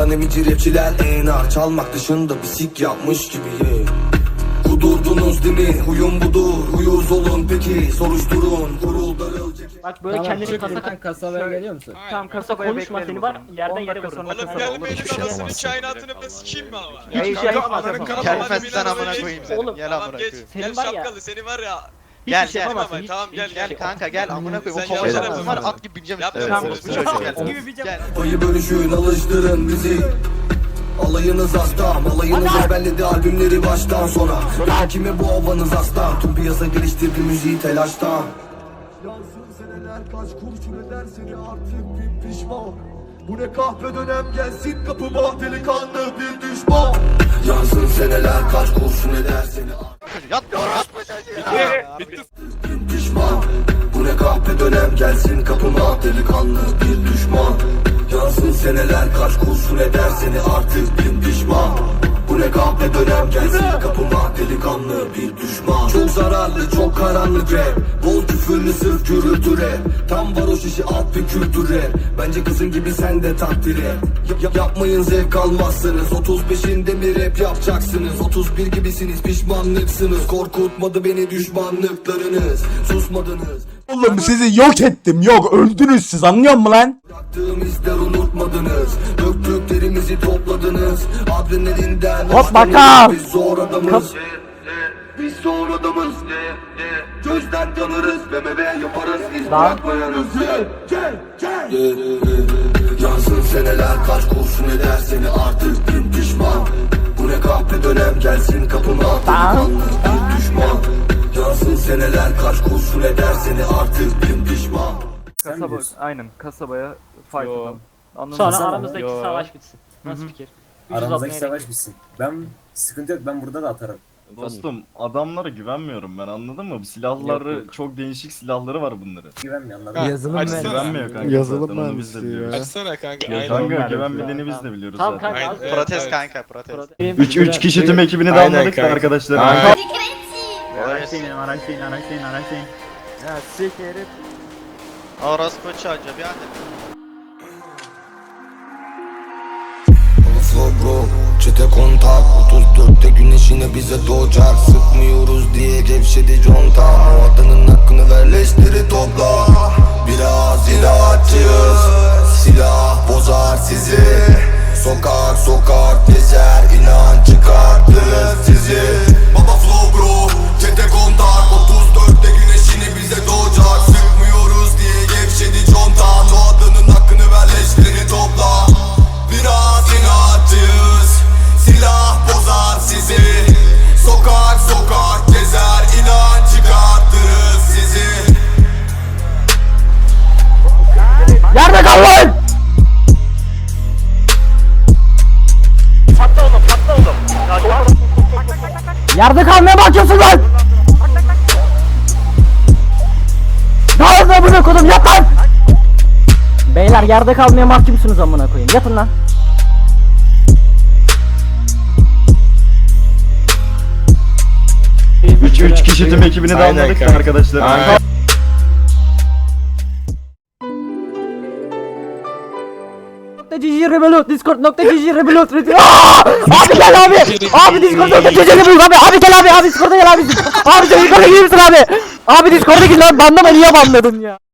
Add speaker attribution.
Speaker 1: Lan emici rapçiler enar, çalmak dışında bir sik yapmış gibi Kudurdunuz değil mi? Huyum budur. Huyuz olun peki. Soruşturun. Kurul darıl.
Speaker 2: Bak böyle
Speaker 3: Tamam,
Speaker 2: kendini kasa
Speaker 3: kasabaya geliyor musun?
Speaker 2: Tamam kasa konuşma seni var yerden yere vurun.
Speaker 4: Oğlum gelmeyelim anasını kainatını be sikeyim mi ama?
Speaker 2: Ya hiç şey yapmazsın.
Speaker 5: Gelmezsen amına koyayım seni.
Speaker 2: Oğlum,
Speaker 5: Gel amına
Speaker 4: Tamam geç.
Speaker 5: koyayım.
Speaker 2: Senin
Speaker 4: Gel
Speaker 2: var ya.
Speaker 4: şapkalı seni var ya.
Speaker 5: Gel
Speaker 2: Hiçbir şey
Speaker 5: gel.
Speaker 2: yapamazsın,
Speaker 4: Tamam, tamam,
Speaker 2: hiç-
Speaker 4: gel,
Speaker 2: hiç-
Speaker 5: Gel kanka gel amına koyayım.
Speaker 4: Sen
Speaker 5: O kovacak
Speaker 4: yapma.
Speaker 5: var at gibi bineceğim
Speaker 4: Yapma.
Speaker 5: üstüne.
Speaker 4: Tamam,
Speaker 5: Bu çocuk gel. Gel.
Speaker 1: Payı bölüşün, alıştırın bizi. Alayınız aslan, alayınız ezberledi albümleri baştan sona. Hakime bu havanız aslan. Tüm piyasa geliştirdi müziği telaştan. Yansın seneler kaç kurşun eder seni artık bin pişman. Bu ne kahpe dönem gelsin kapıma delikanlı bir düşman. Yansın seneler kaç kurşun eder seni
Speaker 5: Yat.
Speaker 4: Bitti.
Speaker 1: bin pişman. Bu ne kahpe dönem gelsin kapıma delikanlı bir düşman. Yansın seneler kaç kurşun eder seni artık bin pişman. Bu ne kahpe dönem gelsin kapıma delikanlı bir düşman. Çok zararlı çok karanlık rap. Bol küfürlü sırf gürültü rap. Tam varoş işi alt bir kültür rap. Bence kızın gibi sen de takdir et. Yapmayın zevk almazsınız. 35'inde mi rap yapacaksınız? 31 gibisiniz pişmanlıksınız. Korkutmadı beni düşmanlıklarınız. Susmadınız.
Speaker 6: Oğlum sizi yok ettim, yok öldünüz siz, anlıyor musun lan?
Speaker 1: Bıraktığım izler unutmadınız. Döktüklerimizi topladınız. Adrenalinden
Speaker 6: Hop bakalım.
Speaker 1: Biz zor adamız. Biz zor adamız. Gözden yanarız. BMW yaparız. İz bırakmayarız. Yansın seneler kaç kurşun eder seni artık bin pişman. Bu ne kahpe dönem gelsin kapıma delikanlı bir düşman. Yansın seneler kaç kurşun eder seni artık bin pişman.
Speaker 7: Kasaba, aynen kasabaya fight atalım. Anladın
Speaker 2: Sonra
Speaker 7: mı?
Speaker 2: aramızdaki
Speaker 7: Yo.
Speaker 2: savaş bitsin. Nasıl fikir?
Speaker 3: Aramızdaki savaş bitsin. Ben sıkıntı yok, ben burada da atarım.
Speaker 8: Dostum adamlara güvenmiyorum ben, anladın mı? Bu silahları çok değişik silahları var bunların.
Speaker 3: Güvenmiyor, anladın mı?
Speaker 9: Yazılım
Speaker 4: Açsana.
Speaker 8: Güvenmiyor kanka.
Speaker 9: Yazılım
Speaker 8: zaten, onu biz de
Speaker 9: mühendisliği
Speaker 8: biliyoruz.
Speaker 9: ya.
Speaker 4: Açsana kanka.
Speaker 8: Ya
Speaker 4: Aynen.
Speaker 8: kanka güvenmediğini biz de biliyoruz
Speaker 2: Tamam
Speaker 8: zaten.
Speaker 2: kanka.
Speaker 4: Aynen.
Speaker 2: az-
Speaker 5: Protest
Speaker 4: Evet.
Speaker 5: kanka protest.
Speaker 8: 3 kişi tüm ekibini de
Speaker 4: Aynen
Speaker 8: anladık da
Speaker 4: kanka.
Speaker 8: arkadaşlar.
Speaker 7: Araçlayın. Ya sikerim.
Speaker 5: Orospu çocuğu bir anda.
Speaker 1: Flow bro, çete kontak 34'te güneş yine bize doğacak. Sıkmıyoruz diye gevşedi conta. O adanın hakkını ver leşleri topla. Biraz inatçıyız. Silah bozar sizi. Sokak sokak gezer, inan çıkartırız sizi. Baba flow bro, çete kontak 34'te güneş yine bize doğacak. Sıkmıyoruz diye gevşedi conta. O adanın hakkını ver leşleri topla. Biraz inatçıyız. Silah bozar sizi. Sokak sokak gezer, inan çıkartırız sizi.
Speaker 6: Yerde kal lan!
Speaker 2: Patla oğlum patla oğlum.
Speaker 6: Yerde kalmaya bakıyorsun lan! Dağılın amına koydum, yat lan! Beyler yerde kalmaya mahkumsunuz amına koyayım, yatın lan!
Speaker 8: Üç kişi tüm ekibini de
Speaker 4: Aynen
Speaker 8: anladık da
Speaker 4: kanka.
Speaker 8: arkadaşlar.
Speaker 4: Aynen.
Speaker 6: .gg rebelut, discord.gg rebelut. Abi gel abi! Abi discord.gg rebelut abi! Abi gel abi! Abi discord'a gel abi! Abi sen yukarı gelir misin abi? Abi discord'a gir lan, banlama, niye banladın ya?